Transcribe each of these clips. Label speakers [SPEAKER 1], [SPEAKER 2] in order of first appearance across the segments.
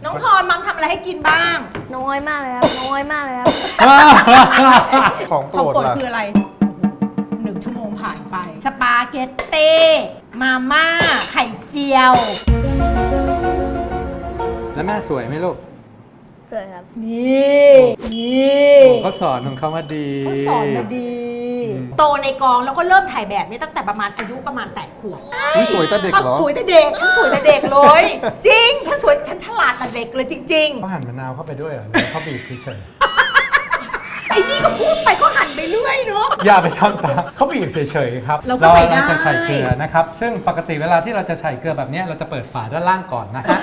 [SPEAKER 1] น้องทอนมังทำอะไรให้กินบ้าง
[SPEAKER 2] น้อยมากเลยครับน้อยมากเลยครับ
[SPEAKER 3] ของโป
[SPEAKER 1] ของ
[SPEAKER 3] รด
[SPEAKER 1] โปรด
[SPEAKER 3] ล่ะ
[SPEAKER 1] คืออะไร1 ชั่วโมงผ่านไป สปาเกตเต้มาม่าไข่เจียว
[SPEAKER 4] แล้วแม่สวยไหมลูก
[SPEAKER 2] สวยครับ
[SPEAKER 1] นี่นี่
[SPEAKER 4] เขาสอนของเขามาดี
[SPEAKER 1] เขาสอนมาดี โตในกองแล้วก็เริ่มถ่ายแบบนี้ตั้งแต่ประมาณอายุประมาณ8 ขวบ
[SPEAKER 3] นี่สวยแต่เด็กเหรอ
[SPEAKER 1] สวยแต่เด็กฉันสวยแต่เด็กเลย จริงฉันสวยฉันฉลาดแต่เด็กเลยจริง
[SPEAKER 4] เขาหั่นมะนาวเข้าไปด้วยเหรอหรือเขาบีบเฉย
[SPEAKER 1] ๆ ไอ้นี่ก็พูดไปก็หันไปเรื่อยเนาะ
[SPEAKER 4] ๆอย่าไปทำตามเขาบีบเฉยๆครับ
[SPEAKER 1] เราก็ใส่ได้
[SPEAKER 4] จะใส่เกลือนะครับ ซึ่งปกติเวลาที่เราจะใส่เกลือแบบนี้เราจะเปิดฝาด้านล่างก่อนนะฮะ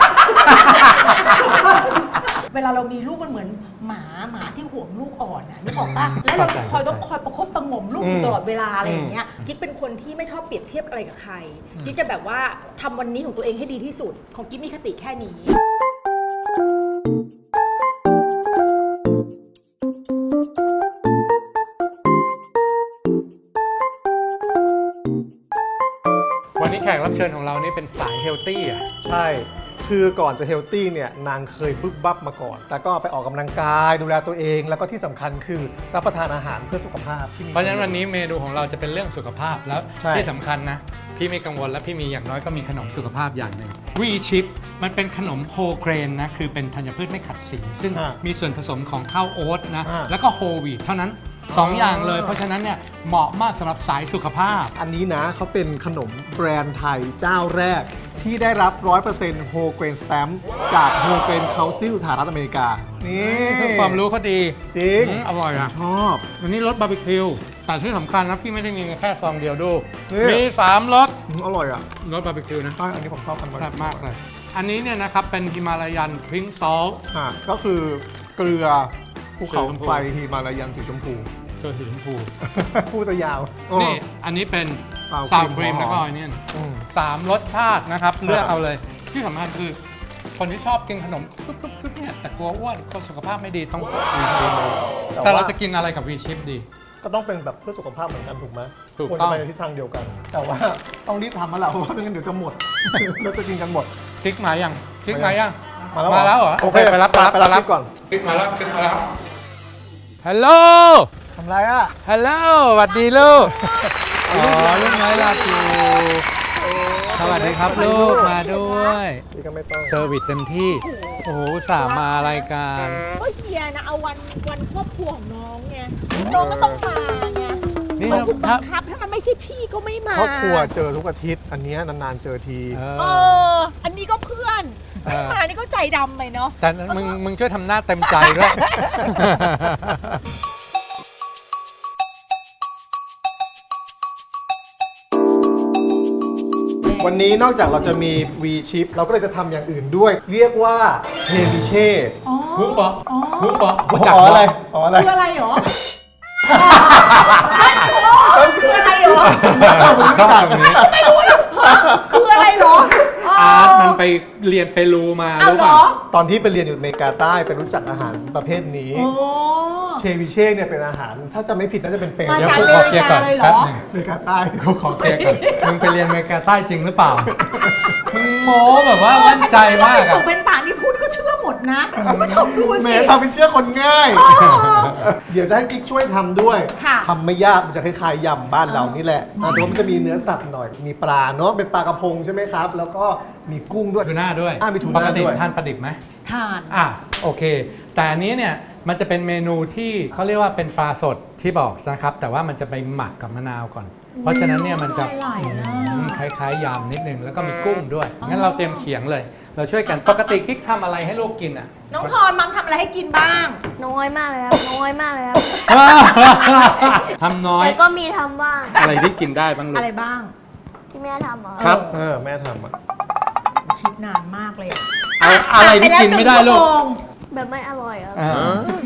[SPEAKER 1] เวลาเรามีลูกมันเหมือนหมาที่ห่วงลูกอ่อนนะนึกออกปะแล้วเราต้องคอยประคบประหงมลูกอยู่ตลอดเวลาอะไรอย่างเงี้ยกิ๊กเป็นคนที่ไม่ชอบเปรียบเทียบอะไรกับใครกิ๊กจะแบบว่าทำวันนี้ของตัวเองให้ดีที่สุด ของกิ๊กมีคติแค่นี้
[SPEAKER 4] วันนี้แขกรับเชิญของเรานี่เป็นสายเฮลตี้อ่ะ
[SPEAKER 3] ใช่ คือก่อนจะเฮลตี้เนี่ยนางเคยบึ๊บบับมาก่อน แต่ก็ไปออกกำลังกายดูแลตัวเอง แล้วก็ที่สำคัญคือรับประทานอาหารเพื่อสุขภาพที่มี
[SPEAKER 4] เพราะฉะนั้นวันนี้เมนูของเราจะเป็นเรื่องสุขภาพแล้ว
[SPEAKER 3] ใช่
[SPEAKER 4] ที่สำคัญนะ พี่ไม่กังวลและพี่มีอย่างน้อยก็มีขนมสุขภาพอย่างหนึ่งวีชิปมันเป็นขนมโฮเกรนนะคือเป็นธัญพืชไม่ขัดสี ซึ่งมีส่วนผสมของข้าวโอ๊ตนะแล้วก็โฮลวีทเท่านั้นสองอย่างเลย เพราะฉะนั้นเนี่ยเหมาะมากสำหรับสายสุขภาพ
[SPEAKER 3] อันนี้นะเขาเป็นขนมแบรนด์ไทยเจ้าแรก ที่ได้รับ 100% Whole Grain Stamp จาก Whole Grain Council สหรัฐอเมริกา นี่
[SPEAKER 4] ความรู้เขาดี
[SPEAKER 3] จริง
[SPEAKER 4] อร่อยอ่ะ
[SPEAKER 3] ชอบ
[SPEAKER 4] วันนี้รสบาร์บีคิวแต่ที่สำคัญนะพี่ไม่ได้มีแค่ซองเดียวดู
[SPEAKER 3] นี่
[SPEAKER 4] มี3รส
[SPEAKER 3] อร่อยอ่ะ
[SPEAKER 4] รสบาร์บีคิวนะ
[SPEAKER 3] ใช่อันนี้ผมชอบอัน
[SPEAKER 4] แซ่บมากเลย อันนี้เนี่ยนะครับเป็นฮิมาลายันพิงซอล
[SPEAKER 3] ก็คือเกลือภูเขา
[SPEAKER 4] สีชมพู
[SPEAKER 3] ไฟฮิมาลายันสีชมพู
[SPEAKER 4] เกลือสีชมพู
[SPEAKER 3] พูดจะยาว
[SPEAKER 4] นี่อันนี้เป็น
[SPEAKER 3] Sour
[SPEAKER 4] ซาวครี
[SPEAKER 3] cream
[SPEAKER 4] มแล้วก็
[SPEAKER 3] หอม
[SPEAKER 4] ออนเนียน
[SPEAKER 3] อืม
[SPEAKER 4] 3รสชาตินะครับ เลือกเอาเลย ที่สำคัญคือ คนที่ชอบกินขนมคึบๆเนี่ยแต่กลัวอ้วนกลัวสุขภาพไม่ดีต้องวีชิปแต่เราจะกินอะไรกับวีชิปดี
[SPEAKER 3] ก็ต้องเป็นแบบเพื่อสุขภาพเหมือนกันถูกไหม
[SPEAKER 4] ถูก
[SPEAKER 3] ควร
[SPEAKER 4] ต้
[SPEAKER 3] จะ
[SPEAKER 4] อง
[SPEAKER 3] ไปในทิศทางเดียวกัน แต่ว่าต้องรีบทำมาแล้วเพราะว่าไม่งั้นเดี๋ยวจะหมด เราจะกินกันหมด
[SPEAKER 4] คลิกมายังคลิกมายัง
[SPEAKER 3] มาแล้ว
[SPEAKER 4] มาแล้วเหรอ
[SPEAKER 3] โอเค
[SPEAKER 4] ไปรับ
[SPEAKER 3] ไปรับคลิปก่อน
[SPEAKER 4] คลิกมาแล้วคลิกมาแล้วฮัลโหล
[SPEAKER 3] ทำไรอ่ะ
[SPEAKER 4] ฮัลโหลสวัสดีลูกอ๋อลูกน้อยลาจูสวัสดีครับลูกมาด้วย
[SPEAKER 3] นี่ก็ไม่ต้อง
[SPEAKER 4] เซอร์วิสเต็มที่ โอ้โหอุตสาห์มารายการ
[SPEAKER 1] ก็เฮียนะเอาวันครอบครัวของน้องไงน้องก็ต้องมาไง
[SPEAKER 4] นี่
[SPEAKER 1] มันถูกบั
[SPEAKER 4] ถ้าง
[SPEAKER 1] คับถ้ามันไม่ใช่พี่ก็ไม่มา
[SPEAKER 3] ครอบครัวเจอทุกอาทิตย์ อันเนี้ยนานๆเจอที
[SPEAKER 1] เอออันนี้ก็เพื่อนไม่มานี่ก็ใจดำไปเนาะ
[SPEAKER 4] แต่มึงช่วยทำหน้าเต็มใจด้วย
[SPEAKER 3] วันนี้นอกจากเราจะมี V chip เราก็เลยจะทำอย่างอื่นด้วย เรียกว่าเชวิเช่
[SPEAKER 4] หูปะหูปะ
[SPEAKER 3] อ๋ออะไรอ๋ออะไร
[SPEAKER 1] คืออะไรหรอคืออะไรหรอ
[SPEAKER 4] ชอบแบบนี้
[SPEAKER 1] ไม่รู้หรอกคืออะไรหรอ
[SPEAKER 4] อาร์ตมันไปเรียนเปรูมา
[SPEAKER 1] เอา
[SPEAKER 4] รู้
[SPEAKER 1] เหร
[SPEAKER 4] ป่ะ
[SPEAKER 1] อ
[SPEAKER 3] ตอนที่ไปเรียนอยู่อเมริกาใต้ไปรู้จักอาหารประเภทนี้
[SPEAKER 1] โอ้
[SPEAKER 3] เชวิเช่เนี่ยเป็นอาหาร ถ้าจะไม่ผิดน่าจะเป็นเปรู
[SPEAKER 1] มา
[SPEAKER 4] เดี๋ยว
[SPEAKER 1] จาก
[SPEAKER 4] กูขอเคลียร์ก่อน
[SPEAKER 1] อเมริกาเลยเหรอ
[SPEAKER 4] แป๊บหนึง
[SPEAKER 3] อเมริกาใต้
[SPEAKER 4] กูขอเคลียร์ก่อนมึงไปเรียนอเมริกาใต้จริงหรือเปล่า มึงโม้แบบว่ามั่นใจมาก
[SPEAKER 1] เป็น
[SPEAKER 4] อะ
[SPEAKER 1] ตุเป็นป่านี่พูดก็เชื่อหมดนะคุณผู้ชมดู
[SPEAKER 3] แหม
[SPEAKER 1] สิ
[SPEAKER 3] ทำเป็นเชื่อคนง่าย เดี๋ยวจะให้กิ๊กช่วยทำด้วย
[SPEAKER 1] ค่ะ
[SPEAKER 3] ทำไม่ยากมันจะคล้ายๆยำบ้านเรานี่แหละแต่ว่ามันจะมีเนื้อสัตว์หน่อย มีปลาเนาะเป็นปลากระพงใช่ไหมครับ แล้วก็มีกุ้งด้วย
[SPEAKER 4] ทูน่าด้วย
[SPEAKER 3] มีทู
[SPEAKER 4] ป
[SPEAKER 3] น่าก
[SPEAKER 4] ติ
[SPEAKER 3] ด้วย
[SPEAKER 4] ทานปลาดิบไหม
[SPEAKER 1] ทาน
[SPEAKER 4] โอเค แต่อันนี้เนี่ยมันจะเป็นเมนูที่เขาเรียกว่าเป็นปลาสดที่บอกนะครับ แต่ว่ามันจะไปหมักกับมะนาวก่อน เพราะฉะนั้นเนี่ยมันจะ
[SPEAKER 1] หลายๆนะ
[SPEAKER 4] คล้ายๆยำนิดนึงแล้วก็มีกุ้งด้วย งั้นเราเตรียมเขียงเลย เราช่วยกัน ปกติคลิกทำอะไรให้ลูกกินอ่ะ
[SPEAKER 1] น้องทอนมังทำอะไรให้กินบ้าง
[SPEAKER 2] น้อยมากเลยครับน้อยมากเลยครับ
[SPEAKER 4] ทำน้อย
[SPEAKER 2] แต่ก็มีทำบ้าง
[SPEAKER 4] อะไรที่กินได้บ้างลู
[SPEAKER 1] อะไร
[SPEAKER 4] ก
[SPEAKER 1] บ้าง
[SPEAKER 2] ที่แม่ทำเหรอ
[SPEAKER 4] ครับ
[SPEAKER 3] แม่ทำอ่ะ
[SPEAKER 1] คิดนานมากเลยอะ
[SPEAKER 4] อะไรที่กินไม่ได้ลูก
[SPEAKER 1] ผ่านปแล้ว1 ชั่วโมง
[SPEAKER 2] แบบไม่อร่อยครับ
[SPEAKER 4] อ่า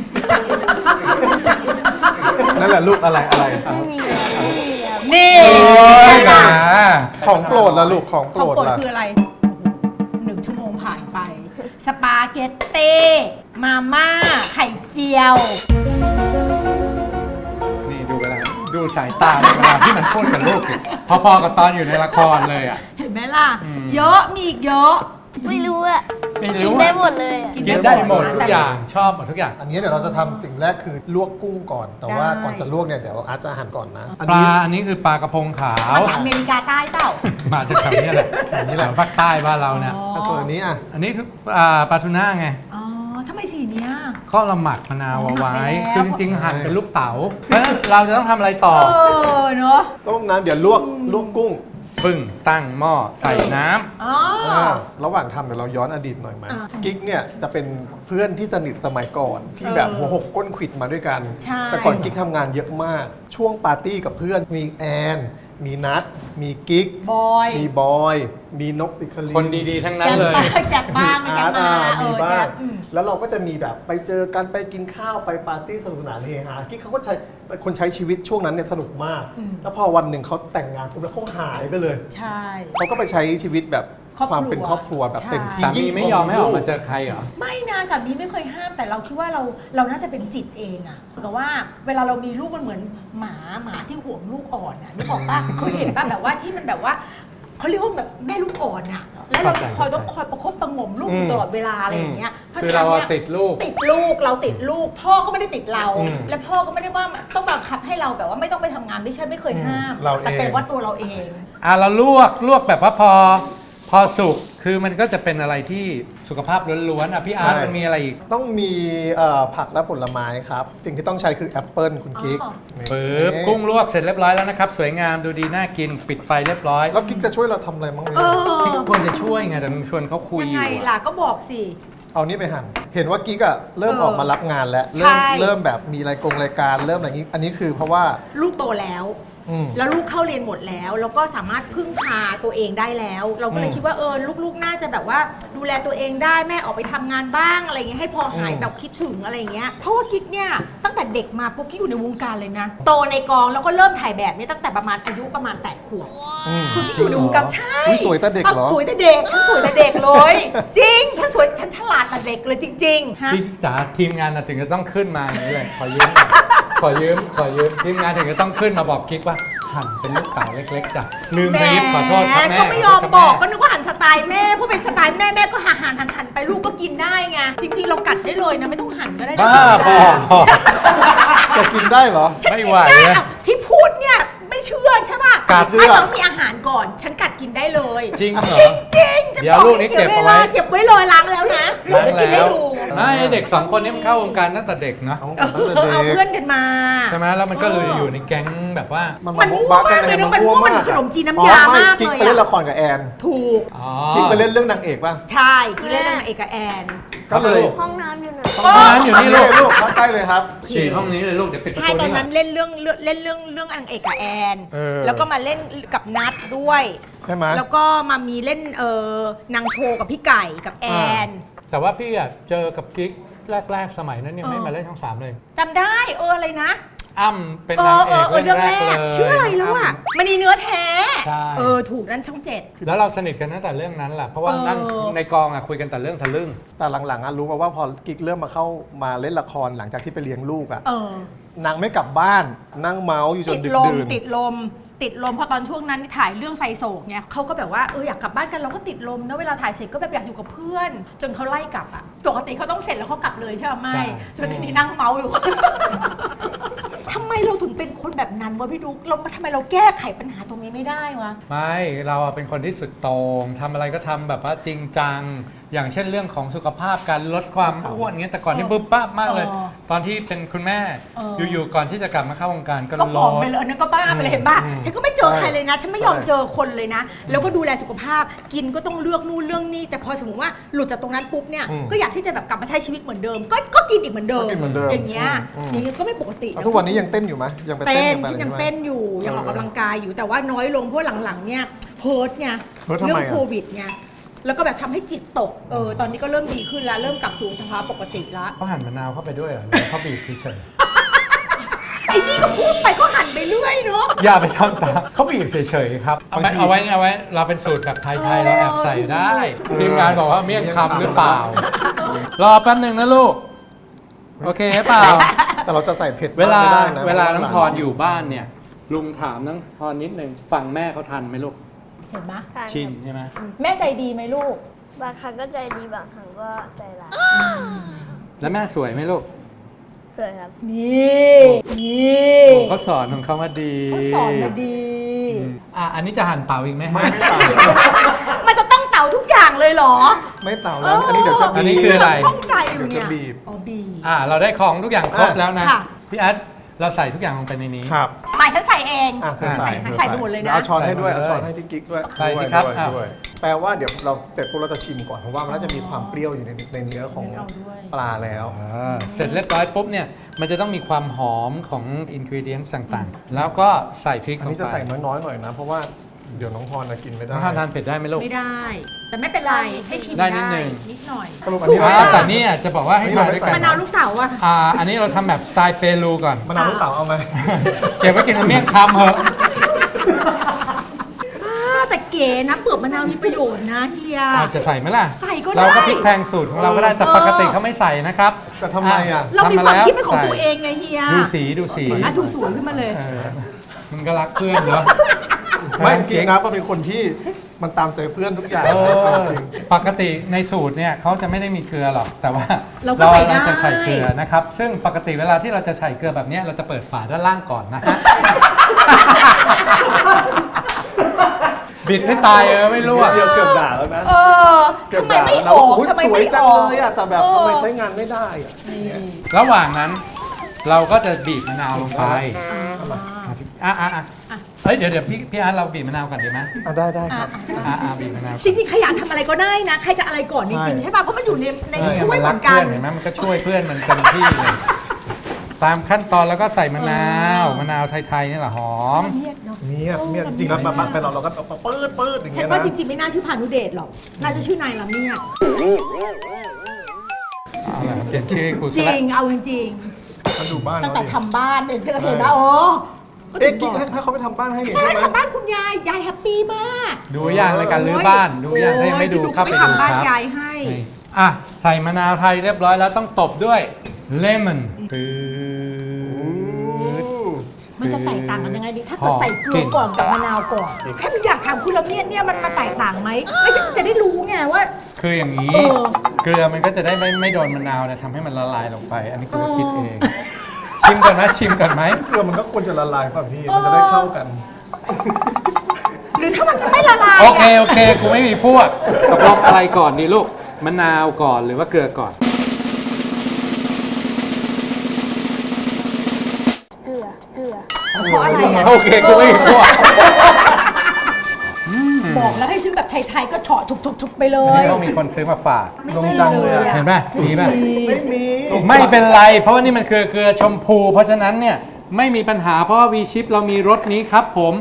[SPEAKER 3] นั่นแหละลูกอะไร
[SPEAKER 2] ไม่มีครับไม่มีครับ
[SPEAKER 1] นี่
[SPEAKER 4] โอ้ย
[SPEAKER 1] ค่ะ
[SPEAKER 3] ของโปรดละลูกของโป
[SPEAKER 1] ข
[SPEAKER 3] ร
[SPEAKER 1] อง
[SPEAKER 3] ด
[SPEAKER 1] โปรด
[SPEAKER 3] ละ
[SPEAKER 1] คืออะไร1 ชั่วโมงผ่านไป สปาเกตเต้มาม่าไข่เจียว
[SPEAKER 4] นี่ดูเวลาดูสายตาเวลาที่มันพูดกับลูกสิพอๆกับตอนอยู่ในละครเลยอ่ะ
[SPEAKER 1] เห็นไหมล่ะ เยอะมีอีกเยอะ
[SPEAKER 2] ไม่รู้อะ
[SPEAKER 4] ไม่
[SPEAKER 2] กิน
[SPEAKER 4] รู้
[SPEAKER 2] ได้
[SPEAKER 4] อะ
[SPEAKER 2] หมดเลยอะ
[SPEAKER 4] กินได้หมดทุกอย่างชอบหมดทุกอย่าง
[SPEAKER 3] อันนี้เดี๋ยวเราจะทำสิ่งแรกคือลวกกุ้งก่อน แต่ว่า
[SPEAKER 1] ได้
[SPEAKER 3] ก่อนจะลวกเนี่ยเดี๋ยวอาร์ตจะหั่นก่อนนะ
[SPEAKER 4] ปลาอันนี้คือปลากระพงขาว
[SPEAKER 1] มาจากอเมริกาใต้เปล่า
[SPEAKER 4] มาจากแถวนี้แหละแถวนี้แหละภาคใต้บ้านเราเนี่ย
[SPEAKER 3] ส่วนอันนี้อ่ะ
[SPEAKER 4] อันนี้ปลาทูน่าไง
[SPEAKER 1] อ๋อทำไมสีเนี้ย
[SPEAKER 4] ก็เราหมักมะนาวเอาไว้
[SPEAKER 1] หมักไปแล้ว
[SPEAKER 4] คือจริงๆหั่นเป็นลูกเต๋าเพราะฉะนั้นเราจะต้องทำอะไรต่อ
[SPEAKER 1] เนอะ
[SPEAKER 3] ต้มน้ำเดี๋ยวลวกกุ้ง
[SPEAKER 4] ปึ้งตั้งหม้อใส่น้ำ
[SPEAKER 1] อ๋อ
[SPEAKER 3] ระหว่างทำเดี๋ยวเราย้อนอดีตหน่อยไหม
[SPEAKER 1] อ่า
[SPEAKER 3] กิ๊กเนี่ยจะเป็นเพื่อนที่สนิทสมัยก่อนที่แบบหัวหกก้นขวิดมาด้วยกัน
[SPEAKER 1] ใช่
[SPEAKER 3] แต่ก่อนกิ๊กทำงานเยอะมาก ช่วงปาร์ตี้กับเพื่อนมีแอน มีนัทมีกิ๊ก
[SPEAKER 1] บอย
[SPEAKER 3] มีบอย มีนกสิคลี
[SPEAKER 4] คนดีๆทั้งนั้นเลย
[SPEAKER 1] แจ็คบ้างไม่แจ็คมา
[SPEAKER 3] มีบ้า
[SPEAKER 1] แจ็
[SPEAKER 3] ง
[SPEAKER 1] ค
[SPEAKER 3] แล้วเราก็จะมีแบบไปเจอกันไปกินข้าวไปปาร์ตี้สนุกสนานเฮฮากิ๊กเขาก็เป็นคนใช้ชีวิตช่วงนั้นเนี่ยสนุกมาก แล้วพอวันหนึ่งเขาแต่งงานปุ๊บแล้วเขาหายไปเลย
[SPEAKER 1] ใช่
[SPEAKER 3] เขาก็ไปใช้ชีวิตแบบ
[SPEAKER 1] ครอบครัว
[SPEAKER 3] ความเป็นครอบครัวแบบเต็มที่
[SPEAKER 4] สามีไม่ยอมให้ออกมาเจอใครเหรอ
[SPEAKER 1] ไม่นะสามีไม่เคยห้ามแต่เราคิดว่าเราน่าจะเป็นจิตเองอะเหมือนกับว่าเวลาเรามีลูกมันเหมือนหมาที่ห่วงลูกอ่อนอะนึกออกปะเคยเห็นปะแบบว่าที่มันแบบว่าเขาเรียกว่าแบบแม่ลูกอ่อนอะแล้วเราจะต้องคอยประคบประหงมลูกอยู่ตลอดเวลาอะไรอย่างเงี้ยเพราะ
[SPEAKER 4] คือ
[SPEAKER 1] ฉะนั้
[SPEAKER 4] เรา
[SPEAKER 1] นเนี่ย
[SPEAKER 4] ติดลูก
[SPEAKER 1] ติดลูกเราติดลูก พ่อก็ไม่ได้ติดเรา และพ่อก็ไม่ได้ว่าต้องบังคับให้เราแบบว่าไม่ต้องไปทำงานไม่ใช่ไม่เคยห้าม
[SPEAKER 3] เราเอง
[SPEAKER 1] แต่เป็นว่าตัวเราเอง
[SPEAKER 4] เราลวกแบบว่าพอสุกคือมันก็จะเป็นอะไรที่สุขภาพล้วนๆพี่อาร์ตมันมีอะไรอีก
[SPEAKER 3] ต้องมีผักและผลไม้ครับ สิ่งที่ต้องใช้คือแอปเปิลคุณกิ๊ก
[SPEAKER 1] อ๋อ
[SPEAKER 3] นี่
[SPEAKER 4] ปึ๊บกุ้งลวกเสร็จเรียบร้อยแล้วนะครับ สวยงามดูดีน่ากินปิดไฟเรียบร้อย
[SPEAKER 3] แล้วกิ๊กจะช่วยเราทำอะไรบ้างไหม
[SPEAKER 4] ที่ทุกคนจะช่วยไงแต่มึงชวนเขาคุย
[SPEAKER 1] ยัง
[SPEAKER 4] อ
[SPEAKER 1] ไง
[SPEAKER 4] ยู่
[SPEAKER 1] ล่ะ
[SPEAKER 4] อะ
[SPEAKER 1] ก็บอกสิ
[SPEAKER 3] เอานี่ไปหั่น เห็นว่ากิ๊กอะเริ่ม
[SPEAKER 1] เออ
[SPEAKER 3] ออกมารับงานแล้ว
[SPEAKER 1] ใช่
[SPEAKER 3] เริ่มแบบมีรายการเริ่มอะไรอย่างนี้ อันนี้คือเพราะว่า
[SPEAKER 1] ลูกโตแล้ว
[SPEAKER 3] อืม
[SPEAKER 1] แล้วลูกเข้าเรียนหมดแล้ว แล้วก็สามารถพึ่งพาตัวเองได้แล้ว เราก็เลยคิดว่าลูกๆน่าจะแบบว่าดูแลตัวเองได้แม่ออกไปทำงานบ้างอะไรเงี้ยให้พอหายแบบคิดถึงอะไรเงี้ยเพราะว่ากิ๊กเนี่ยตั้งแต่เด็กมาปุ๊บกิ๊กอยู่ในวงการเลยนะโตในกองแล้วก็เริ่มถ่ายแบบเนี่ยตั้งแต่ประมาณอายุประมาณ8 ขวบคือกิ๊กอยู่ในวงการใช่
[SPEAKER 3] อุ๊ยสวยแต่เด็กเหรอ
[SPEAKER 1] สวยแต่เด็กฉันสวยแต่เด็กเลย จริงฉันสวยฉันฉลาดแต่เด็กเลยจริงๆฮะ
[SPEAKER 4] พี่จ๋าทีมงานน่ะถึงจะต้องขึ้นมาอย่างนี้เลยขอยืมทีมงานถึงจะต้องขึ้นมาบอกกิ๊กว่าหั่นเป็นลูกเต๋าเล็กๆจ้ะลืมบรีฟขอโทษครับแม่
[SPEAKER 1] ก็ไม่ยอมบอกก็นึกว่าหันสไตล์แม่เพราะเป็นสไตล์แม่ก็หันไปลูกก็กินได้ไงจริง ๆ เรากัดได้เลยนะไม่ต้องหั่นก็ได้นะ
[SPEAKER 4] บ้าบอ
[SPEAKER 3] จะกินได้เหรอ
[SPEAKER 1] ฉัน
[SPEAKER 4] ไม่
[SPEAKER 1] กิน
[SPEAKER 4] ไหว
[SPEAKER 1] ได้
[SPEAKER 4] อะ
[SPEAKER 1] อ่ะที่พูดเนี่ยไม่เชื่อใช่ป่ะ
[SPEAKER 3] กัดเชื่อ
[SPEAKER 1] ไม่ต้องมีอาหารก่อน ฉันกัดกินได้เลย
[SPEAKER 4] จริงเหรอ
[SPEAKER 1] จริงๆจะ
[SPEAKER 4] เดี๋ยว
[SPEAKER 1] บอก
[SPEAKER 4] ลูกนี้
[SPEAKER 1] ให้เสีย
[SPEAKER 4] เก็บ
[SPEAKER 1] เว
[SPEAKER 4] เอาไว้
[SPEAKER 1] ลาเก็บไว้เลยล้างแล้วนะ
[SPEAKER 4] ล้าง
[SPEAKER 1] เดี๋ยวกินให้
[SPEAKER 4] แล้ว
[SPEAKER 1] ดู
[SPEAKER 4] ไม่เด็ก 2 คนนี้มันเข้าวงการตั้งแต่เด็กเนาะ
[SPEAKER 3] ตั้งแต่เด็
[SPEAKER 1] เอา
[SPEAKER 3] ก
[SPEAKER 1] เพื่อนกันมา
[SPEAKER 4] ใช่ไหมแล้วมันก็เลยอยู่ในแก๊งแบบว่า
[SPEAKER 1] มันมั่วมากเลยนะมันมั่วมันขนมจีนน้ำยามาก
[SPEAKER 3] กิ๊ก
[SPEAKER 1] เลย
[SPEAKER 3] ไปเล่น
[SPEAKER 1] อะ
[SPEAKER 3] ละครกับแอน
[SPEAKER 1] ถูก
[SPEAKER 4] อ๋อ
[SPEAKER 3] กิ๊กไปเล่นเรื่องนางเอกป่ะ
[SPEAKER 1] ใช่กินเล่นนางเอกกับแอน
[SPEAKER 3] ก็เลย
[SPEAKER 2] ห้องน้ำอยู่ไหน
[SPEAKER 4] ห้องน้ำอยู่นี่ลูก
[SPEAKER 3] ลูกเข้าใกล้เลยครับ
[SPEAKER 4] ฉี่ห้องนี้เลยลูกเดี๋ยวปิดประ
[SPEAKER 1] ใช่
[SPEAKER 4] ตู
[SPEAKER 1] ตอน
[SPEAKER 4] นี่
[SPEAKER 1] นั้นเล่นเรื่องนางเอกกับแอน
[SPEAKER 3] เออ
[SPEAKER 1] แล้วก็มาเล่นกับนัดด้วย
[SPEAKER 3] ใช่ไหม
[SPEAKER 1] แล้วก็มามีเล่นนางโชว์กับพี่ไก่กับแอน
[SPEAKER 4] แต่ว่าพี่อะเจอกับกิ๊กแรกๆสมัยนั้นยังไม่มาเล่นช่อง 3 เลย
[SPEAKER 1] จำได้อะไรนะ
[SPEAKER 4] อ้ำเป็นนางเอกเรื่องแรกเลย
[SPEAKER 1] ชื่ออะไรแล้วอ่ะมันนีเนื้อแท้
[SPEAKER 4] ใช่
[SPEAKER 1] ถูกนั่นช่องเจ็ด
[SPEAKER 4] แล้วเราสนิทกันตั้งแต่เรื่องนั้นแหละเพราะว่านั่งในกองอะคุยกันแต่เรื่องทะลึ่ง
[SPEAKER 3] แต่หลังๆอะรู้มาว่าพอกิ๊กเริ่มมาเข้ามาเล่นละครหลังจากที่ไปเลี้ยงลูกอะนางไม่กลับบ้านนั่งเมาส์อยู่จ
[SPEAKER 1] ติ
[SPEAKER 3] น
[SPEAKER 1] ด
[SPEAKER 3] ดึก
[SPEAKER 1] ลม
[SPEAKER 3] ดื่น
[SPEAKER 1] ติดลมเพราะตอนช่วงนั้นถ่ายเรื่องไซโศกเนี่ยเขาก็แบบว่าอยากกลับบ้านกันเราก็ติดลมนะเวลาถ่ายเสร็จก็แบบอยากอยู่กับเพื่อน จนเขาไล่กลับอ่ะปกติเขาต้องเสร็จแล้วเขากลับเลยใช่ไหมไม่จนทีนี้นั่งเมาอยู่ ทำไมเราถึงเป็นคนแบบนั้นวะพี่ดุ๊กทำไมเราแก้ไขปัญหาตรงนี้ไม่ได้วะ
[SPEAKER 4] ไม่เราอะเป็นคนที่สุดโต่งทำอะไรก็ทำแบบว่าจริงจัง อย่างเช่นเรื่องของสุขภาพการลดความอ้วนเงี้ยแต่ก่อนนี่บึ๊บปั๊บมากเลย ตอนที่เป็นคุณแม่อยู่ๆก่อนที่จะกลับมาเข้าวงการก็
[SPEAKER 1] ก็
[SPEAKER 4] ล
[SPEAKER 1] ผอม
[SPEAKER 4] ด
[SPEAKER 1] ไปเลยอันนั้นก็บ้าไปเลยเห็นป่ะฉันก็ไม่เจอใครเลยนะ ฉันไม่ยอมเจอคนเลยนะ แล้วก็ดูแลสุขภาพกินก็ต้องเลือกนู่นเรื่องนี้แต่พอสมมติว่าหลุดจากตรงนั้นปุ๊บเนี่ยก็อยากที่จะแบบกลับมาใช้ชีวิตเหมือนเดิม ก็กินอีกเหมือนเดิม
[SPEAKER 3] ก็กินเหมือนเดิม
[SPEAKER 1] อย่างเงี้ยนี่ก็ไม่ปกติ
[SPEAKER 3] เอาทุกวันนี้ยังเต้นอยู่ไหมยังไปเต้
[SPEAKER 1] เต้
[SPEAKER 3] น
[SPEAKER 1] น
[SPEAKER 3] กัน
[SPEAKER 1] ฉันยัง
[SPEAKER 3] ไหม
[SPEAKER 1] เต้นอยู่ยังออกกำลังกายอยู่แต่ว่าน้อยลงเพราะหลังๆเนี่ยเพิร์ทไง
[SPEAKER 3] เพิร์ททำไมอะ
[SPEAKER 1] เรื่องโควิดไงแล้วก็แบบทำให้จิตตกตอนนี้ก็เริ่มดีขึ้นแล้วเริ่มกลับสู่สภาวะปกติแล้ว
[SPEAKER 4] เขาหั่นมะนาวเข้าไปด้วยเหรอหรือเขาบีบเฉย
[SPEAKER 1] ไอ้นี่ก็พูดไปก็หันไปเรื่อยเนาะ
[SPEAKER 4] ๆอย่าไปทำตามเขาบีบเฉยๆครับเอาไว้เราเป็นสูตรแบบไทยๆเราแอบใส่ได้ทีมงานบอกว่าเมี่ยงคำหรือเปล่ารอแป๊บหนึ่งนะลูกโอเคเปล่า
[SPEAKER 3] แต่เราจะใส่เผ็ด
[SPEAKER 4] เวลา
[SPEAKER 3] ไม่ได้นะ
[SPEAKER 4] เวลาน้องทอนอยู่บ้านเนี่ยลุงถามน้องทอนนิดนึงฟังแม่เขาทันไหมลูก
[SPEAKER 1] เห็นไหม
[SPEAKER 2] ทาน
[SPEAKER 4] ชินใช่ไหม
[SPEAKER 1] แม่ใจดีไหมลูก
[SPEAKER 2] บางครั้งก็ใจดีบางครั้งก็ใจร้าย
[SPEAKER 4] แล้วแม่สวยไหมลูก
[SPEAKER 2] สวยครับ
[SPEAKER 1] นี่นี่
[SPEAKER 4] เขาสอนของเขามาดี
[SPEAKER 1] เขาสอนมาดี
[SPEAKER 4] อันนี้จะหั่นเต่าอีกไหมฮะ
[SPEAKER 3] ไม่เต่า
[SPEAKER 1] มันจะต้องเต่าทุกอย่างเลยเหรอ
[SPEAKER 3] ไม่เต่าแล้วอันนี้เดี๋ยวจะ
[SPEAKER 4] อัน
[SPEAKER 3] บี
[SPEAKER 4] นี้คืออะไร
[SPEAKER 1] ข้องใจอยู่
[SPEAKER 3] เดี๋ยว
[SPEAKER 1] เนี่
[SPEAKER 3] จะ
[SPEAKER 1] ย
[SPEAKER 3] บีบ
[SPEAKER 1] อ๋อบีบ
[SPEAKER 4] เราได้ของทุกอย่างครบแล้วนะ
[SPEAKER 1] ค่ะ
[SPEAKER 4] พี่อาร์ตเราใส่ทุกอย่างลงไปในนี้
[SPEAKER 3] ครับ
[SPEAKER 1] หมายฉันใส่เอง
[SPEAKER 3] เธอใส่
[SPEAKER 1] ใส่ไปหมดเลยนะ
[SPEAKER 3] เอาช้อนให้ด้วย
[SPEAKER 4] ใส่
[SPEAKER 3] เอา
[SPEAKER 4] หมดเลย
[SPEAKER 3] ช้อนให้พี่กิ๊กด้วย
[SPEAKER 4] ใส่สิครับ
[SPEAKER 3] ด้วย
[SPEAKER 4] อ้าว
[SPEAKER 3] ด้วยแปลว่าเดี๋ยวเราเสร็จปุ๊บเราจะชิมก่อนเพราะว่ามันน่าจะมีความเปรี้ยวอยู่ในเนื้อของ
[SPEAKER 1] เอาด้วย
[SPEAKER 3] ปลาแล้ว
[SPEAKER 4] เสร็จเรียบร้อยปุ๊บเนี่ยมันจะต้องมีความหอมของอินกรีเดียนต่างๆ แล้วก็ใส่พริก
[SPEAKER 3] อัน
[SPEAKER 4] ลง
[SPEAKER 3] นี้จะ
[SPEAKER 4] ไป
[SPEAKER 3] ใส่น้อยๆหน่อยนะ เพราะว่าเดี๋ยวน้องพรกินไม่ได้
[SPEAKER 4] น้องทานเผ็ดได้ไหมลูก
[SPEAKER 1] ไม่ได้ แต่ไม่เป็นไร ให้ชิม
[SPEAKER 4] ได้นิดนึง
[SPEAKER 1] นิดหน่อย
[SPEAKER 3] สรุปอันนี้เรา
[SPEAKER 4] แต่นี่จะบอกว่าให้ทานด้วยกัน
[SPEAKER 1] มะนาวลูกเต๋าอะ
[SPEAKER 4] อันนี้เราทำแบบสไตล์เปรูก่อน
[SPEAKER 3] มะนาวลูกเต๋าเอาไหม
[SPEAKER 4] เก็บไว้กินกับเมี่ยงคำเหอะ
[SPEAKER 1] แต่เก๋นะเปลือกมะนาวมีประโยชน์นะเฮีย
[SPEAKER 4] จะใส่ไหมล่ะ
[SPEAKER 1] ใส่ก็ได้
[SPEAKER 4] เราก็พริกแพงสูตรของเราก็ได้แต่ปกติเขาไม่ใส่นะครับ
[SPEAKER 3] จะทำไมอ่ะ
[SPEAKER 1] เรามี
[SPEAKER 4] ทำ
[SPEAKER 1] ความ
[SPEAKER 4] แล้ว
[SPEAKER 1] คิดเป็นของ
[SPEAKER 4] ใส่
[SPEAKER 1] ตัวเองไงเฮีย
[SPEAKER 4] ดูสีดูสี
[SPEAKER 1] อ่ะดูสวยขึ้นมาเลย
[SPEAKER 4] มึงก็รักเพื่อนเหรอ
[SPEAKER 3] ไม่จริงๆนะก็เป็นคนที่มันตามใจเพื่อนทุกอย่าง
[SPEAKER 4] เออ
[SPEAKER 3] จริง
[SPEAKER 4] ปกติในสูตรเนี่ยเขาจะไม่ได้มีเกลือหรอก แต่ว่า
[SPEAKER 1] เราก็ใส่ได้
[SPEAKER 4] จะใส่เกลือนะครับ ซึ่งปกติเวลาที่เราจะใส่เกลือแบบเนี้ยเราจะเปิดฝาด้านล่างก่อนนะฮะ บิดให้ตายไม่รู้อะ
[SPEAKER 3] เดี๋ยวเกือบด่าแล้วนะ
[SPEAKER 1] เออ
[SPEAKER 3] เกือบ
[SPEAKER 1] ทำไม
[SPEAKER 3] ด่า
[SPEAKER 1] ไม่
[SPEAKER 3] แล้ว
[SPEAKER 1] อ
[SPEAKER 3] นะ
[SPEAKER 1] อก
[SPEAKER 3] โอ้ย
[SPEAKER 1] ทำไม
[SPEAKER 3] สวย
[SPEAKER 1] ไม่
[SPEAKER 3] จั
[SPEAKER 1] อง อก
[SPEAKER 3] เลยอ่ะแต่แบบทำไมใช้งานไม่ได้อ่ะ
[SPEAKER 4] ระหว่างนั้นเราก็จะบีบมะนาวลงไปเฮ้ยเดี๋ยวพี่อาร์ตเราบีบมะนาวก่อนดีไหม
[SPEAKER 3] ได้ครับ
[SPEAKER 4] บีบมะนาว
[SPEAKER 1] จริงๆขยันทำอะไรก็ได้นะ ใครจะอะไรก่อนจริงๆ
[SPEAKER 3] ใช่
[SPEAKER 1] ใช่ป่ะ เพราะมันอยู่ใน
[SPEAKER 4] ใช่
[SPEAKER 1] ถ้วย
[SPEAKER 4] มัน
[SPEAKER 1] เห
[SPEAKER 4] รั
[SPEAKER 1] มื
[SPEAKER 4] ก
[SPEAKER 1] อนกั
[SPEAKER 4] เพื่อน นเห็นไหมมันก็ช่วยเพื่อนมันเต็มที่เลย ตามขั้นตอนแล้วก็ใส่มะนาวไทยๆนี่แหละหอม
[SPEAKER 1] เงียบเนาะ
[SPEAKER 3] เนี่ยจริงๆแล้วมาไปเราก็ปื๊ดอย่าง
[SPEAKER 1] ฉั
[SPEAKER 3] เงี้
[SPEAKER 1] น
[SPEAKER 3] ย
[SPEAKER 1] ว่า
[SPEAKER 3] นะ
[SPEAKER 1] จริงๆไม่น่าชื่อพานุเดชหรอก น่าจะชื่อนายละเมียด
[SPEAKER 4] เอาล่ะเปลี่ยนชื่อให้กู
[SPEAKER 1] จ
[SPEAKER 4] ซะ
[SPEAKER 1] ริ
[SPEAKER 4] แล้ว
[SPEAKER 1] ง เอาจริง
[SPEAKER 3] มาดูบ้าน
[SPEAKER 1] ๆตั้ง
[SPEAKER 3] เรา
[SPEAKER 1] แต่
[SPEAKER 3] ดิ
[SPEAKER 1] ทำบ้านเนี่ยเธอเห็นว่าก็
[SPEAKER 3] เอ๊ะ
[SPEAKER 1] ถึ
[SPEAKER 3] กิ๊ก
[SPEAKER 1] งบอก
[SPEAKER 3] ให้เขาไปทำบ้านให้นี่
[SPEAKER 1] ใช่
[SPEAKER 3] ใช่ไหม
[SPEAKER 1] ทำบ้านคุณยาย ยายแฮปปี้มาก
[SPEAKER 4] ดูอย่างรายการรื้อบ้านดูอย่างถ้ายังไม่ดูเข้าไปดู
[SPEAKER 1] ทำบ้าน
[SPEAKER 4] ครับ
[SPEAKER 1] ยายให้
[SPEAKER 4] นี่ใส่มะนาวไทยเรียบร้อยแล้วต้องตบด้วยเลมอนปื๊ด
[SPEAKER 1] มันจะแตกต่างกันยังไงดี ถ้าเกิดใส่เกลือก่อนกับมะนาวก่อน แค่อยากถามคุณละเมียดเนี่ยมันแตกต่างไหม ไม่ใช่จะได้รู้ไงว่า
[SPEAKER 4] คืออย่างนี้
[SPEAKER 1] เออ
[SPEAKER 4] เกลือมันก็จะได้ไม่โดนมะนาวเนี่ยทำให้มันละลายลงไป อันนี้กูก็คิดเอง ชิมก่อนนะชิมก่อนไหม
[SPEAKER 3] เกลือมันก็ควรจะละลายป่ะพี่มันจะได้เข้ากัน
[SPEAKER 1] หรือถ้ามันไม่ละลาย
[SPEAKER 4] โอเคกูไม่มีพวกตกลงอะไรก่อนดีลูกมะนาวก่อนหรือว่าเกลือก่อน
[SPEAKER 2] เกลือ
[SPEAKER 1] เพราะอะไรอ่ะ
[SPEAKER 4] โอเคกูไม่มีพวก
[SPEAKER 1] บอกแล้วให้ซื้อแบบไทยๆก็เฉาะทุบๆๆไปเล
[SPEAKER 4] ไม่
[SPEAKER 1] ย
[SPEAKER 4] ต้องมีคนซื้อมาฝาก
[SPEAKER 3] ลงจังเลยอะ
[SPEAKER 4] เห็นป่ะมีป่ะ
[SPEAKER 3] ไม่มี
[SPEAKER 4] ไม่เป็นไร เพราะว่านี่มันคือเกลือชมพู เพราะฉะนั้นเนี่ยไม่มีปัญหาเพราะว่าวีชิปเรามีรสนี้ครับผม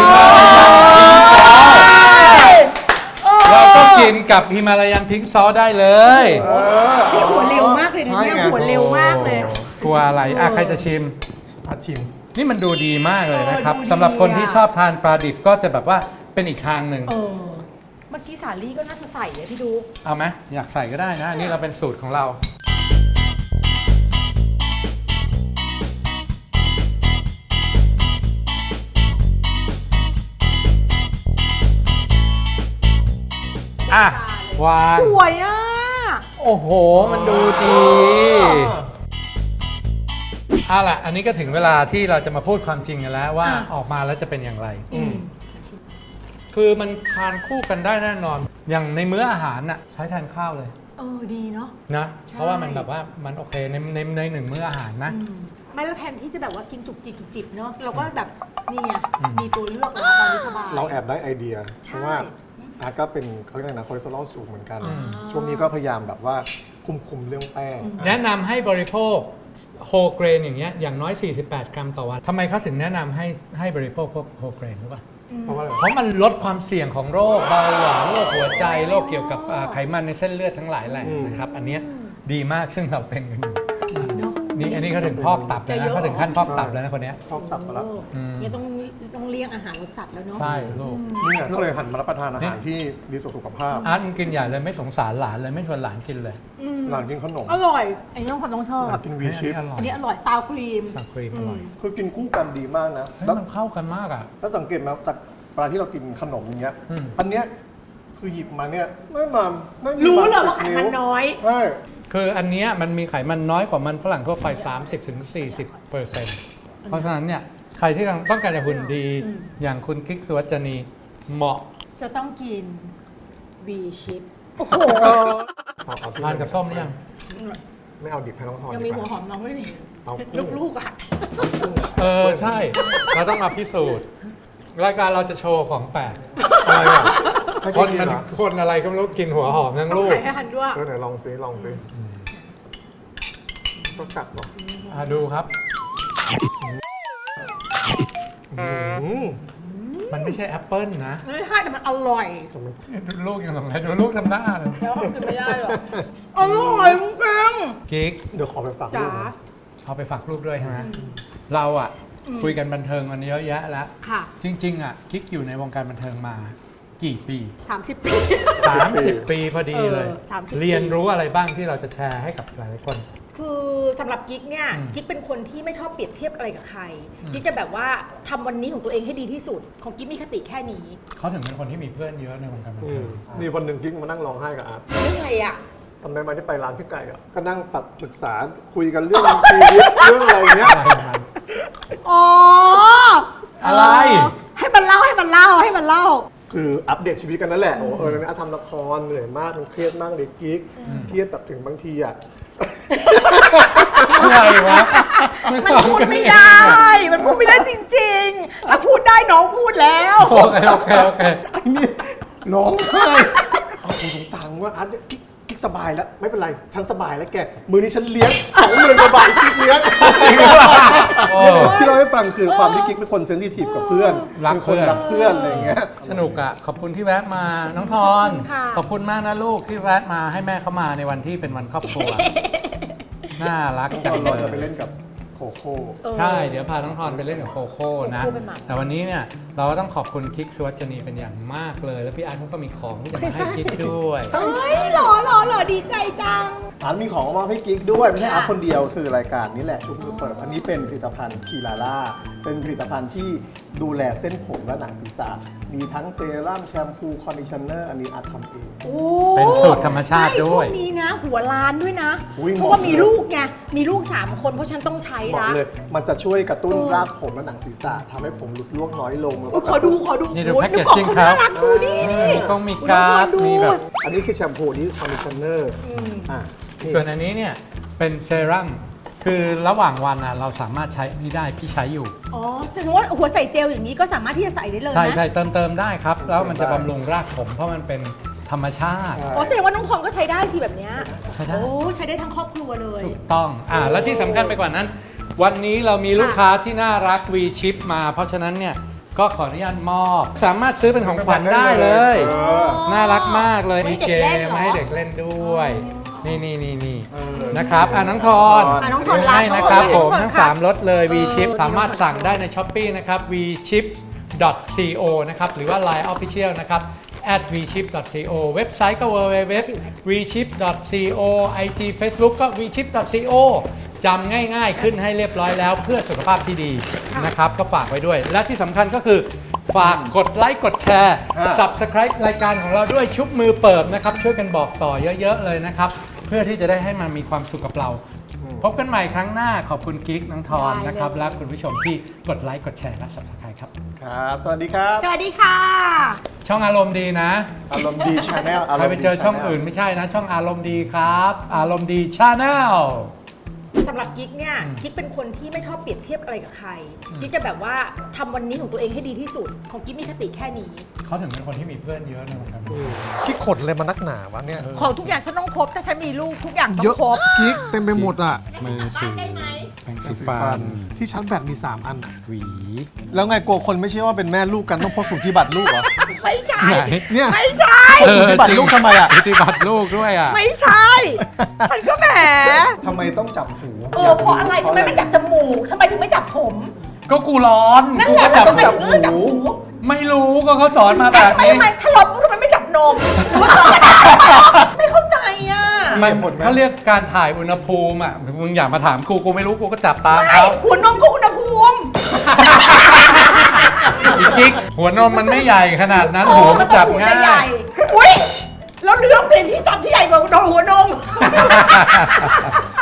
[SPEAKER 4] เราก็กินกับฮิมาลายันพิงค์ซอสได้เลย
[SPEAKER 1] นี่หัวเร็วมากเลยนะเนี่ย
[SPEAKER 3] ใช่ไง
[SPEAKER 1] หัวเร็วมากเลย
[SPEAKER 4] กลัวอะไรใครจะชิม
[SPEAKER 3] ผัดชิม
[SPEAKER 4] นี่มันดูดีมากเลยนะครับ
[SPEAKER 1] ดูดี
[SPEAKER 4] สำหรับคนที่
[SPEAKER 1] อะ
[SPEAKER 4] ชอบทานปลาดิบก็จะแบบว่าเป็นอีกทางหนึ่ง
[SPEAKER 1] เมื่อกี้สาลี่ก็น่าจะใส่เลยพี่ดู
[SPEAKER 4] เอาไหมอยากใส่ก็ได้นะอันนี่เราเป็นสูตรของเรา วาง
[SPEAKER 1] สวยอ่ะ
[SPEAKER 4] โอ้โห มันดูดีเอาล่ะ อันนี้ก็ถึงเวลาที่เราจะมาพูดความจริงกันแล้วว่าออกมาแล้วจะเป็นอย่างไร คือมันทานคู่กันได้แน่นอน อย่างในมื้ออาหารน่ะใช้แทนข้าวเลย
[SPEAKER 1] ดีเนาะ
[SPEAKER 4] นะ
[SPEAKER 1] ใช่
[SPEAKER 4] เพราะว่ามันแบบว่ามันโอเคในหนึ่งมื้ออาหารนะ
[SPEAKER 1] ไม่แล้วแทนที่จะแบบว่ากินจุกจิบเนาะเราก็แบบนี่ไง
[SPEAKER 4] อืม
[SPEAKER 1] มีตัวเลือกแล้วตอนนี้สบาย
[SPEAKER 3] เราแอบได้ไอเดีย
[SPEAKER 1] ใช่
[SPEAKER 3] เพราะว่าอาร์ตก็เป็นเขาเรียกอะไรนะคอเลสเตอรอลสูงเหมือนกัน
[SPEAKER 4] อืม
[SPEAKER 3] ช่วงนี้ก็พยายามแบบว่าคุมเรื่องแป้ง
[SPEAKER 4] แนะนำให้บริโภคโฮเกรนอย่างเงี้ยอย่างน้อย 48 กรัมต่อวันทำไมเขาถึงแนะนำให้บริโภคพวกโฮเกรนรู้ป่ะ
[SPEAKER 3] เพราะว่าอะไร
[SPEAKER 4] เพราะมันลดความเสี่ยงของโรคเบาหวานโรคหัวใจโรคเกี่ยวกับไขมันในเส้นเลือดทั้งหลายแหล่นะครับ อันเนี้ยดีมากซึ่งเราเป็นกันอยู่
[SPEAKER 1] เนาะ
[SPEAKER 4] นี่อันนี้เขาถึงพอกตับแล้วนะเขาถึงขั้นพอกตับแล้วนะคนเนี้ย
[SPEAKER 3] ชอบตับมาแล้ว
[SPEAKER 1] เนี่ยต้องเลี่ยงอาหารรสจัดแล้วเนาะ
[SPEAKER 4] ใช่ลูก
[SPEAKER 3] นี่ไงก็เลยหันมารับประทานอาหารที่ดีต่อสุขภาพ
[SPEAKER 4] อาร์ตมันกินใหญ่เลยไม่สงสารหลานเลยไม่ชวนหลานกินเลย
[SPEAKER 3] หลานกินขนม
[SPEAKER 1] อร่อยอันนี้คนต้องชอบ
[SPEAKER 3] หลานกินวีชิป
[SPEAKER 4] อร่อย
[SPEAKER 1] อันนี้อร่อยซาวครีม
[SPEAKER 4] สังครีมอร่อย
[SPEAKER 3] คือกินคู่กันดีมากนะ
[SPEAKER 4] เฮ้ย
[SPEAKER 3] แล้ว
[SPEAKER 4] มันเข้ากันมากอ่ะ
[SPEAKER 3] แล้วสังเกตไหมจากปลาที่เรากินขนมอย่างเงี้ย
[SPEAKER 4] อืม
[SPEAKER 3] อันเนี้ยคือหยิบมาเนี่ยไม่มาไม่มี
[SPEAKER 1] รู้เลย
[SPEAKER 3] บ
[SPEAKER 1] ว่าไขมันน้อย
[SPEAKER 3] ใช่
[SPEAKER 4] คืออันเนี้ยมันมีไขมันน้อยกว่ามันฝรั่งทั่วไป 30-40%เพราะฉะนั้นเนี่ยใครที่ต้องการจะหุ่นดี อย่างคุณกิ๊กสุวัจนีเหมาะ
[SPEAKER 1] จะต้องกิน V chip โอ้โห
[SPEAKER 3] เอาที่
[SPEAKER 4] ทานกับส้มหรือยัง
[SPEAKER 3] ไม่เอาดิบให้น้องทอน
[SPEAKER 1] ยังมี
[SPEAKER 3] ดีก
[SPEAKER 1] หัว
[SPEAKER 3] ว่า
[SPEAKER 1] หอมน้องไม่มี
[SPEAKER 3] เอากุ้ง
[SPEAKER 1] ลูกๆอ่ะ
[SPEAKER 4] ใช่ เราต้องมาพิสูจน์ รายการเราจะโชว์ของแปลก
[SPEAKER 3] อะไรอ่ะให้
[SPEAKER 4] คน
[SPEAKER 3] กิน
[SPEAKER 4] มัน
[SPEAKER 3] เหรอ
[SPEAKER 4] คนอะไรก็ไม่รู้กินหัวหอมทั้ง
[SPEAKER 1] ต้อง
[SPEAKER 4] ลูก
[SPEAKER 1] ไข่ให้หันด้วย
[SPEAKER 3] ไหนลองซิก็กัดหรอ
[SPEAKER 4] ดูครับ
[SPEAKER 3] ม
[SPEAKER 4] มันไม่ใช่แอปเปิลนะ
[SPEAKER 1] ไม่ใช่แต่มันอร่อย
[SPEAKER 4] ดูลูกยังสงสัยดูลูกทำหน้าเลย
[SPEAKER 1] แล้วก็กินไม่ได้หรอกอร่อยจริง
[SPEAKER 4] กิ๊ก
[SPEAKER 3] เดี๋ยวขอไปฝาก
[SPEAKER 1] ๆจ๋า
[SPEAKER 3] ลูกนะ
[SPEAKER 4] เอาไปฝากลูกด้วยใช่ไหมเราอ่ะ คุยกันบันเทิงมันเยอะแยะแล้ว
[SPEAKER 1] ค่ะ
[SPEAKER 4] จริงๆอ่ะกิ๊กอยู่ในวงการบันเทิงมากี่ปี
[SPEAKER 1] 30 ปี
[SPEAKER 4] 30 ปีพอดีเลย
[SPEAKER 1] 30
[SPEAKER 4] เรียนรู้อะไรบ้างที่เราจะแชร์ให้กับหลายๆคน
[SPEAKER 1] คือสำหรับกิ๊กเนี่ยกิ๊กเป็นคนที่ไม่ชอบเปรียบเทียบอะไรกับใครกิ๊กจะแบบว่าทำวันนี้ของตัวเองให้ดีที่สุด ของกิ๊กมีคติแค่นี้
[SPEAKER 4] เขาถึงเป็นคนที่มีเพื่อนเยอะในวงการบัน
[SPEAKER 3] อื
[SPEAKER 4] เทิ
[SPEAKER 3] ม
[SPEAKER 4] ง
[SPEAKER 3] นี่วันหนึ่งกิ๊กมานั่งร้องไห้กับอาร์ต
[SPEAKER 1] เรื่องอะไรอ่ะ
[SPEAKER 3] จำได้ไหมที่ไปร้านพี่ไก่อ่ะก็นั่งปรึกษาคุยกันเรื่องชีวิตเรื่องอะไรเงี้ย
[SPEAKER 1] อ๋อ
[SPEAKER 4] อะไร
[SPEAKER 1] ให้มันเล่าให้มันเล่าให้มันเล่า
[SPEAKER 3] คืออัปเดตชีวิตกันนั่นแหละโอ้เออเนี่ยทำละครเหนื่อยมากมันเครียดมากเลยกิ๊กเครียดแบบถึงบางทีอ่ะ
[SPEAKER 4] อะไรวะ
[SPEAKER 1] มันพูดไม่ได้ มันพูดไม่ได้จริงๆ ถ้าพูดได้น้องพูดแล้ว
[SPEAKER 4] โอเค
[SPEAKER 3] ไอ้นี่ร้องไห้เอาผมสงสารว่าอาร์ตเนี่ยกิ๊กสบายแล้วไม่เป็นไรฉันสบายแล้วแกมือนี้ฉันเลี้ยง20,000 กว่าบาทกิ๊กเลี้ยง
[SPEAKER 4] โอ้
[SPEAKER 3] ที่เราให้ฟังคือความที่กิ๊กเป็นคนเซนซิทีฟกับเพื่อน
[SPEAKER 4] รัก
[SPEAKER 3] เป็นค
[SPEAKER 4] เพื่
[SPEAKER 3] น
[SPEAKER 4] อน
[SPEAKER 3] รักเพื่อนอะไรอย่างเงี้ย
[SPEAKER 4] สนุกอ่ะ ขอบคุณที่แวะมาน้องทอน
[SPEAKER 1] ค่ะ
[SPEAKER 4] ขอบคุณมากนะลูกที่แวะมาให้แม่เข้ามาในวันที่เป็นวันครอบครัว น่ารักจังเล
[SPEAKER 3] เรา
[SPEAKER 4] ย
[SPEAKER 3] จะไปเล่นกับโคโค่
[SPEAKER 4] ใช่ เดี๋ยวพาน้องทอนไปเล่นกับโคโค่นะ
[SPEAKER 1] โคโค่เป็นหมา
[SPEAKER 4] แต่วันนี้เนี่ยเราก็ต้องขอบคุณคิกสุวัจนีเป็นอย่างมากเลย แล้วพี่อาร์ตเขาก็มีของที่จะมาให้คิกด้วย
[SPEAKER 1] เฮ้ยหล่อดีใจจัง
[SPEAKER 3] อาร์ตมีของมาให้กิ๊กด้วยไม่ใช่อาร์ตคนเดียวคือรายการนี้แหละชุบมือเปิดอันนี้เป็นผลิตภัณฑ์คีลาล่าเป็นผลิตภัณฑ์ที่ดูแลเส้นผมและหนังศีรษะมีทั้งเซรั่มแชมพูคอนดิชเนอร์อันนี้อาร์ตทำเอง
[SPEAKER 1] โอ้
[SPEAKER 4] เป็นสูตรธรรมชาติด้วย
[SPEAKER 1] ไม่ช่วงนี้นะ หัวล้านด้วยนะ
[SPEAKER 3] อุ๊ย
[SPEAKER 1] เพราะว่ามีลูกไง มีลูก 3 คนเพราะฉันต้องใช้
[SPEAKER 3] บอก
[SPEAKER 1] นะ
[SPEAKER 3] เลยมันจะช่วยกระตุ้นรากผมและหนังศีรษะทำให้ผมหลุดร่วงน้อยลงแล้ว
[SPEAKER 1] อุ๊
[SPEAKER 3] ก็
[SPEAKER 1] ยขอดู
[SPEAKER 4] นี่ดู
[SPEAKER 1] โอ้ย
[SPEAKER 4] แพ็กเกจ
[SPEAKER 1] กล่อง
[SPEAKER 4] จิ้ง
[SPEAKER 1] เขา
[SPEAKER 4] ครับ
[SPEAKER 1] น่ารักดูนี่นี่
[SPEAKER 4] ต้องมีการ์ด
[SPEAKER 1] ดู
[SPEAKER 4] มีแบบ
[SPEAKER 3] อันนี้คือแชมพูอันนี้คอนดิชเนอร์อ่ะนี่
[SPEAKER 4] ส่วนอันนี้เนี่ยเป็นเซรั่มคือระหว่างวันอ่ะเราสามารถใช้นี่ได้พี่ใช้อยู่
[SPEAKER 1] อ๋อแต่สมมติว่าหัวใส่เจลอย่างนี้ก็สามารถที่จะใส่ได้เลย
[SPEAKER 4] ใช่
[SPEAKER 1] นะ
[SPEAKER 4] ใช่เติมได้ครับ แล้วมันจะบำรุงรากผมเพราะมันเป็นธรรมชาติ
[SPEAKER 1] อ๋อแสดงว่าน้องทองก็ใช้ได้สิแบบเนี้ย
[SPEAKER 4] ใช้ได้
[SPEAKER 1] โอ้ใช้ได้ทั้งครอบครัวเลย
[SPEAKER 4] ถูกต้องแล้วที่สำคัญไปกว่านั้น วันนี้เรามีลูกค้าที่น่ารัก V Chip มา เพราะฉะนั้นเนี่ยก็ขออนุญาตมอบ สามารถซื้อเป็นของขวัญได้เลย
[SPEAKER 3] เออ
[SPEAKER 4] น่ารักมากเลย
[SPEAKER 1] ให้
[SPEAKER 4] มี
[SPEAKER 1] เด็
[SPEAKER 4] เก
[SPEAKER 1] กเล่น
[SPEAKER 4] ม
[SPEAKER 1] เหรอ
[SPEAKER 4] ให้เด็กเล่นด้วย นี่
[SPEAKER 3] เออ
[SPEAKER 4] นะครับน้องทอน
[SPEAKER 1] น้องทอนรับ
[SPEAKER 4] ให้นะครับ
[SPEAKER 1] น้องทอน
[SPEAKER 4] ผม
[SPEAKER 1] รับ
[SPEAKER 4] ทั้ง
[SPEAKER 1] ค่ะ
[SPEAKER 4] 3รสเลย V Chip สามารถสั่งได้ใน Shopee นะครับ vchip.co นะครับหรือว่า Line Official นะครับ @vchip.co เว็บไซต์ก็ www.vchip.co IG Facebook ก็ vchip.co จำง่ายๆขึ้นให้เรียบร้อยแล้วเพื่อสุขภาพที่ดีนะครับ ก็ฝากไว้ด้วย และที่สำคัญก็คือฝากกดไลค์กดแชร์ Subscribe รายการของเราด้วยชุบมือเปิบนะครับ ช่วยกันบอกต่อเยอะๆเลยนะครับ เพื่อที่จะได้ให้มันมีความสุขกับเรา พบกันใหม่ครั้งหน้าขอบคุณกิ๊กน้องทอนนะครับ และคุณผู้ชมที่กดไลค์กดแชร์และ Subscribe ครับ
[SPEAKER 3] ครับสวัสดีครับ
[SPEAKER 1] สวัสดีค่ะ
[SPEAKER 4] ช่องอารมณ์ดีนะ
[SPEAKER 3] อารมณ์ดีชาแนล
[SPEAKER 4] ใครไปเจอช่องอื่นไม่ใช่นะ ช่องอารมณ์ดีครับ อารมณ์ดีชาแนล
[SPEAKER 1] สำหรับกิ๊กเนี่ยกิ๊กเป็นคนที่ไม่ชอบเปรียบเทียบอะไรกับใครกิ๊กจะแบบว่าทำวันนี้ของตัวเองให้ดีที่สุด ของกิ๊กมีคติแค่นี้
[SPEAKER 4] เขาถึงเป็นคนที่มีเพื่อนเยอะในวงการบันเทิง
[SPEAKER 3] กิ๊กขดเลยมานักหนาวะเนี่ย
[SPEAKER 1] ของทุกอย่างฉันต้องครบถ้าฉันมีลูกทุกอย่างต้อ
[SPEAKER 3] เยอะ
[SPEAKER 1] งครบ
[SPEAKER 3] กิ๊กเต็มไปหมดอ่ะ
[SPEAKER 4] มือถือ
[SPEAKER 1] ได้ไหม
[SPEAKER 4] แปรงสีฟัน
[SPEAKER 3] ที่ชาร์จแบตมี 3 อัน
[SPEAKER 4] หวี
[SPEAKER 3] แล้วไงกลัวคนไม่เชื่อว่าเป็นแม่ลูกกันต้องพกสูติบัตรลูกเหรอ
[SPEAKER 1] ไม่ใช่
[SPEAKER 4] ไหน
[SPEAKER 3] เนี่ย
[SPEAKER 1] ไม่ใช่
[SPEAKER 3] สูติบัตรลูกทำไมอ่ะ
[SPEAKER 4] สูติบัตรลูกด้วยอ่ะ
[SPEAKER 1] ไม่ใช่ฉันก็แหม
[SPEAKER 3] ทำไมต้องจับหู
[SPEAKER 1] เพราะอะไรทำไมไม่จับจมูกทำไมถึงไม่จับผม
[SPEAKER 4] ก็กูร้อน
[SPEAKER 1] นั่น
[SPEAKER 4] กู
[SPEAKER 1] แหละ
[SPEAKER 4] ก็จับ
[SPEAKER 1] ทำไมถึงไม่จับหู
[SPEAKER 4] ไม่รู้ก็เขาสอนมาแบบนี้
[SPEAKER 1] ทำไมถ้าร้อนปุ๊บทำไมไม่จับนมหรือว่าไม่เข้าใจอ่ะ
[SPEAKER 3] มีเหตุผลไหม
[SPEAKER 4] เขาเรียกการถ่ายอุณหภูมิอ่ะมึงอย่ามาถามกูไม่รู้กูก็จับตาม
[SPEAKER 1] ไม่
[SPEAKER 4] เขา
[SPEAKER 1] หัวนมก็อุณหภูมิ
[SPEAKER 4] อีกิ๊กหัวนมมันไม่ใหญ่ขนาดนั้นหัวมันจับ
[SPEAKER 1] หัว
[SPEAKER 4] ง่า
[SPEAKER 1] จะใหญ่
[SPEAKER 4] ย
[SPEAKER 1] อุ้ยแล้วเรื่องเปลี่ยนที่จับที่ใหญ่กว่าโดนหัวนม